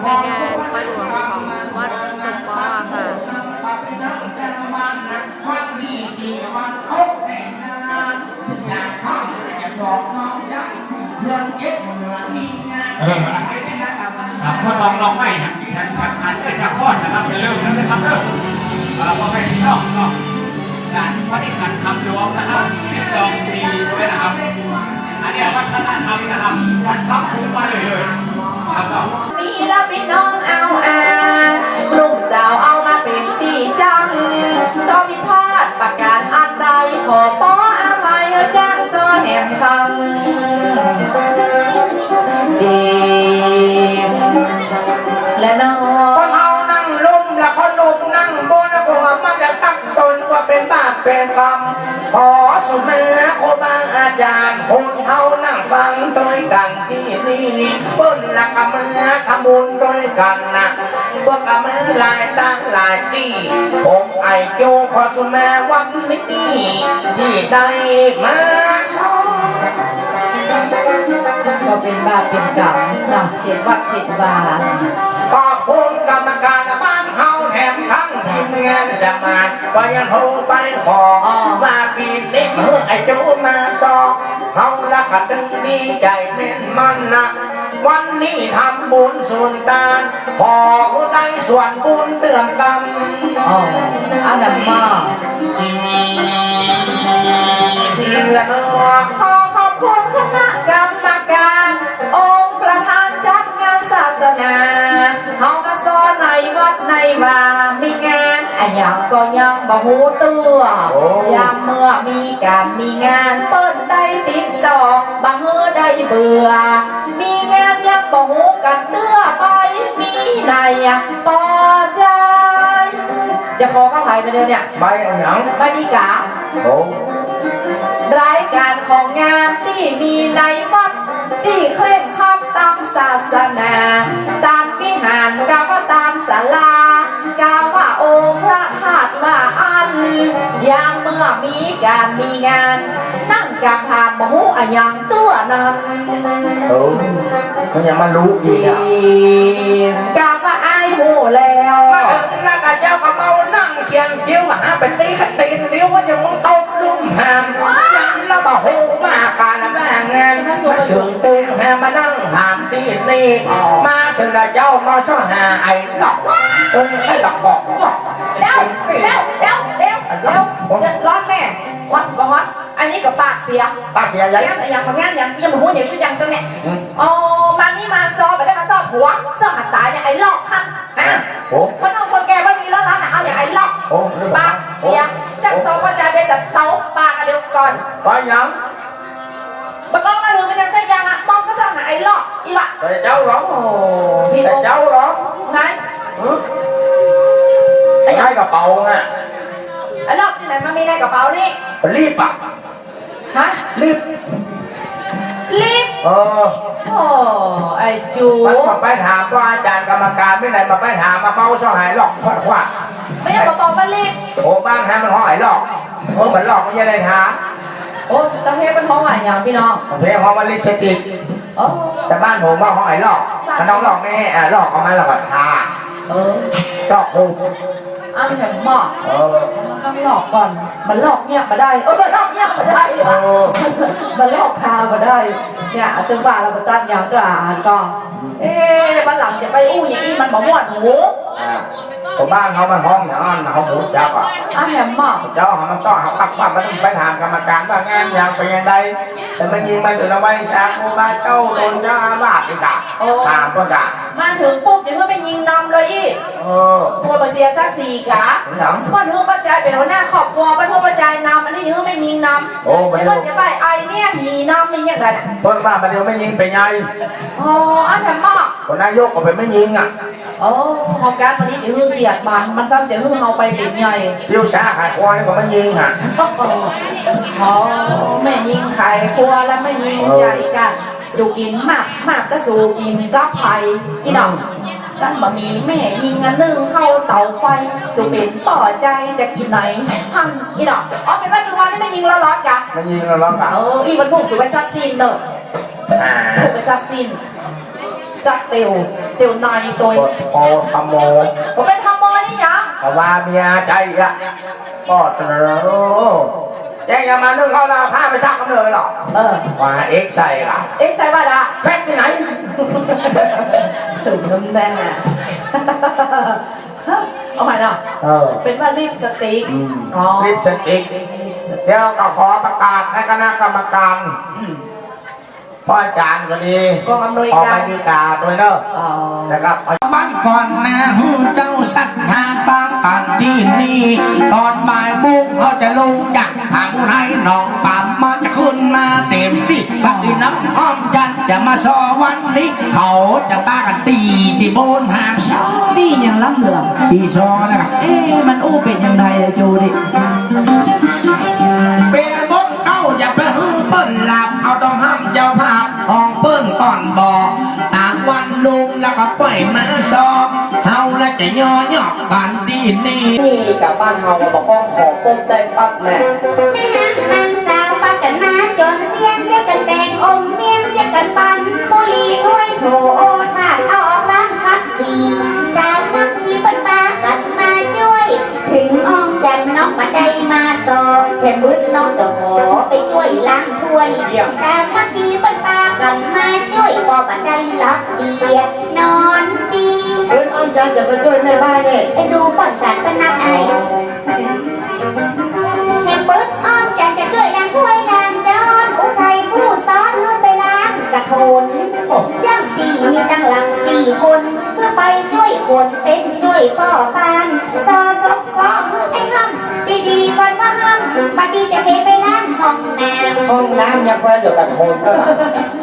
ในงานวัดหลวงของวัดสกอค่ะพ่อตองลองไม่นะฉันอันเป็นจากพ่อนะครับอย่าลืมนะครับเริ่มพอไปที่นอกการวัฒนธรรมคำหลวงนะครับ12 ปีด้วยนะครับอันนี้วัฒนธรรมนะครับวัดทับคุ้มมาเลยครับนี่ละพี่น้องเอาลูกสาวเอามาเป็นตีจังสอพิพาทประกาศอันใดขอป้ออภัยจ้างซอแหมคำจีบและน้องคนเอานั่งลุ่มและคนหนุ่มนั่งบนหัวมันจะชักชนว่าเป็นบาปเป็นกรรมขอสุเมธโคบาอาจารย์คนเอานั่งฟังด้วยกันที่นี่เปิ้นละกะมือทำบุญด้วยกันนะพวกกะมือหลายตั้งหลายตีผมไอโจขอสุเมธวันนี้ที่ได้มาชมก็เป็นบาปเป็นกรรมนะเห็นวัดเห็นวาขอบคุณกรรมการบ้านเฮาแถมทั้งทีมงานสมานก็ยังโทรไปขอว่าปีนี้เมื่อไอ้โจมาสอบเฮาละก็ดึงดีใจเม่นมันนะวันนี้ทำบุญส่วนตานขอผู้ใดส่วนบุญเติมกรรมอันนั้นมาเพื่อนขอขอบคุณคณะกรรมการองค์ประธานจัดงานศาสนาเฮามาสอนในวัดในว่ามีงานอันยังก็ยังบ่ฮู้ตัวยามเมื่อมีการมีงานเปิ้นได้ติดต่อบางมื้อได้เบื่อมีงานยังบ่ฮู้กันเตื้อไปมีในปอใจจะขอข้าไผ่มาเดี๋ยวเนี่ยใบอันยังใบดีการายการของงานที่มีในวัดที่เคร่งครัดตามศาสนาตามวิหารกาว่าตามศาลากาว่าองค์พระธาตุว่าอันอย่างเมื่อมีการมีงานนั่งกางผ่านมหูอะยังตัวนั้นมันยังมารู้จริงกาว่าไอ้หูแล้วมาถึงแล้วก็เจ้าก็เมานั่งเขียนคิ้วหาเป็นตีขัดตีนเลี้ยวว่าจะมึงตบลุ่มหามยังแล้วบ่หูมาการแม่งานมาสึงตีแม่มานั่งถามตีนี่มาถึงแล้วเจ้ามาช่อหาไอ้หลอกไอ้หลอกบอกเร็วร้อนแม่วัดก็วัดอันนี้ก็ปากเสียอย่างบางงานอย่างมาหูเดี๋ยวชุดยังตรงเนี้ยอ๋อมานี่มาซอไปได้มาซอผัวซอหัดตาอย่างไอ้ลอกท่านคนเอาคนแก่ว่ามีแล้วนะเอาอย่างไอ้ลอกปากเสียจังซอว่าจะได้แต่เตาปากกันเดียวก่อนก็ยังบางกองมาดูมันยังใช่ยังอ่ะมองเขาซอหาไอ้ลอกอีวะแต่เจ้าร้องแต่เจ้าร้องไงไอ้กระเป๋าไงไอ้ลอกที่ไหนมันมีในกระเป๋านี่รีบอ่ะฮะรีบโอ้ไอจูมันมาไปถามว่าอาจารย์กรรมการไม่ไหนมาไปถามมาเมาช่อหายหลอกขวาไม่ใช่กระเป๋ามันรีบโอ้บ้านแฮมันห้องหายหลอกเหมือนหลอกไม่ใช่ในท้าโอ้ตะเพเป็นห้องหายอย่างพี่น้องเพห้องมันลิชิติแต่บ้านผมว่าห้องหายหลอกมันน้องหลอกไม่ให้หลอกเอามาหลอกทาหลอกหูอันนี้แบบหมอกมันต้องหลอกก่อนมันหลอกเงียบมาได้มันหลอกเงียบมาได้มันหลอกคามาได้เนี่ยตึงว่าเราตั้งอย่างกลางก็บ้านหลังจะไปอู้อย่างนี้มันบอกม่วนหูผมบ้านเขามันห้องอย่างนั้นเขาหูจับอ่ะอันนี้หมอกเจ้าเขามันชอบเขาปักว่ามันต้องไปถามกรรมการว่างานอย่างเป็นยังไงแต่มันยิงมันถึงเอาไว้ชักบ้านเจ้าโดนเจ้าบาดอีกอ่ะถามก็ด่ามาถึงปุ๊บจะเพื่อไปยิงนำเลยอีตัวมาเสียสักสี่กะมันเพื่อปัจจัยเป็นหัวหน้าครอบครัวมันเพื่อปัจจัยนำอันนี้เพื่อไม่ยิงนำไม่ว่าจะไปไอเนี่ยหีนำมีอย่างไรน่ะต้นบ้านมันเดียวไม่ยิงไปไงอันนี้หมอกคนนายกก็ไปไม่ยิงอ่ะห้องการวันนี้จะเฮือเกียรติมันซ้ำจะเฮือเอาไปเป็นใหญ่เที่ยวช้าขายครัวนี่ก็ไม่ยิงฮะไม่ยิงขายครัวแล้วไม่ยิงใจกันสู่กินมากก็สู่กินกับไผ่พี่น้องกันบะหมี่แม่ยิงอันนึงเข้าเตาไฟสู่เป็นป่อใจจะกินไหนพังพี่น้องเป็นว่าจุวันนี่ไม่ยิงแล้วร้อนกันไม่ยิงแล้วร้อนกันอีมันพุ่งสู่ไปซักซีนเนอะพุ่งไปซักซีนจักเตียวในตัวโอทำโมผมเป็นทำมอนี่ยังแต่ว่าเมียใจอะก็ตระโรแจ้งกันมานึ่งเขาเราผ้าไปซักกันเลยหรอว่าเอ็กใส่ล่ะเอ็กใส่บ้าดะเซ็ตที่ไหนสูงน้ำแดงอะเอาใหม่นะเป็นว่าลิปสติกอ๋อลิปสติกเดี๋ยวก็ขอประกาศให้คณะกรรมการพ่ออาจารย์ก็ดีกองอำนวยออกการไปดีกาด้วยเนอะอ๋อนะครับบ้านก่อนนะเจ้าสัตว์หาฟังอ่านที่นี่ตอนบ่ายบุ้งเขาจะลงจากทางไรหนองป่ามันขึ้นมาเต็มที่พักอีน้ำอ้อมจันจะมาซอวันนี้เขาจะบ้ากันตีที่โบนหามซอนี่ยังล้ำเหลืองที่ซอนะครับมันอู้เป็นยังไงอะจูดิเป็นบนเก้าอย่าไปหื้อเปิ้นหลับเอาต้องห้ามเจ้าภาพห้องเปิ้นก่อนบอกตามวันลุงแล้วก็ปล่อยมาซอเฮาและจะย่อหยอกกันที่นี่กับบ้านเฮาบอกก้องขอปุ๊บได้ปั๊บแม่ไม่ห่างนางสาวปากันมาจนเสียงเรียกกันแบ่งอมเมียงเรียกกันปันบุหรี่ถ้วยโถโอทาดเอาออกล้างพักสีสาวนักที่ปันปากันมาช่วย ถึงอ้อมจันน้องมาได้มาสอแทนมืดน้องจะขอไปช่วยล้างถ้วยสาวนักที่ปันปากันมาช่วยพอบันไดรับเดียนอนดีคุณอ้อมจันจะไปช่วยแม่บ้านเนี่ยไปดูป้อนกันเป็นนักไอแห่ปื๊ดอ้อมจันจะช่วยนางถ้วยนางจอนอุทัยผู้ซ้อนเพื่อไปล้างกระโถนจ้างปีมีตั้งหลัง4 คนเพื่อไปช่วยคนเต้นช่วยพ่อปานซอซบก็มือไอ้ห้ำดีๆก่อนว่าห้ำบัดดีจะเทไปล้างห้องน้ำห้องน้ำยังแควนเดือดกระโทนก็ล่ะ